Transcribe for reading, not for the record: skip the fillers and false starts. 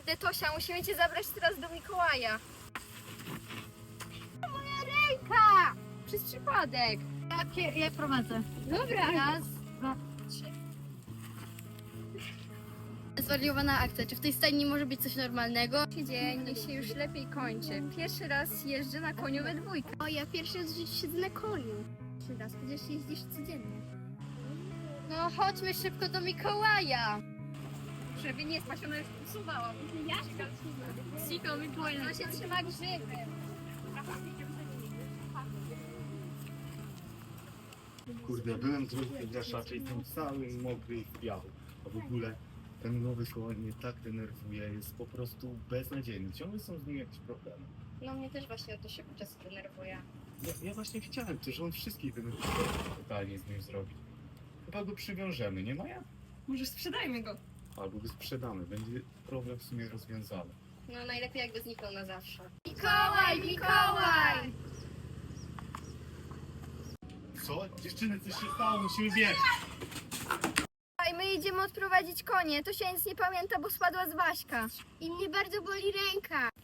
Kurde, Tosia, musimy cię zabrać teraz do Mikołaja. Moja ręka! Przez przypadek. Ja prowadzę. Dobra. Raz, dwa, trzy. Zwariowana akcja. Czy w tej stajni może być coś normalnego? Dzień niech się już lepiej kończy. Pierwszy raz jeżdżę na koniu we dwójkę. O, ja pierwszy raz w życiu siedzę na koniu. Pierwszy raz, przecież jeździsz codziennie. No chodźmy szybko do Mikołaja. Żeby nie spać, ona już usuwała. Ja Siko Mikołaja. To się trzyma grzyby. Kurde, byłem trochę graszaczy i jestem cały mokry i w biały. A w ogóle ten nowy koń mnie tak denerwuje, jest po prostu beznadziejny. Ciągle są z nim jakieś problemy. No mnie też właśnie o to się czasem denerwuje. Ja właśnie chciałem też, że on wszystkich denerwuje, totalnie z nim zrobić. Chyba go przywiążemy, nie Maja? Może sprzedajmy go. Albo go sprzedamy, będzie problem w sumie rozwiązany. No najlepiej jakby zniknął na zawsze. Mikołaj, Mikołaj! Co? Dziewczyny, coś się stało, musimy biec! My idziemy odprowadzić konie. Tosia nic nie pamięta, bo spadła z Waśka. I mnie bardzo boli ręka.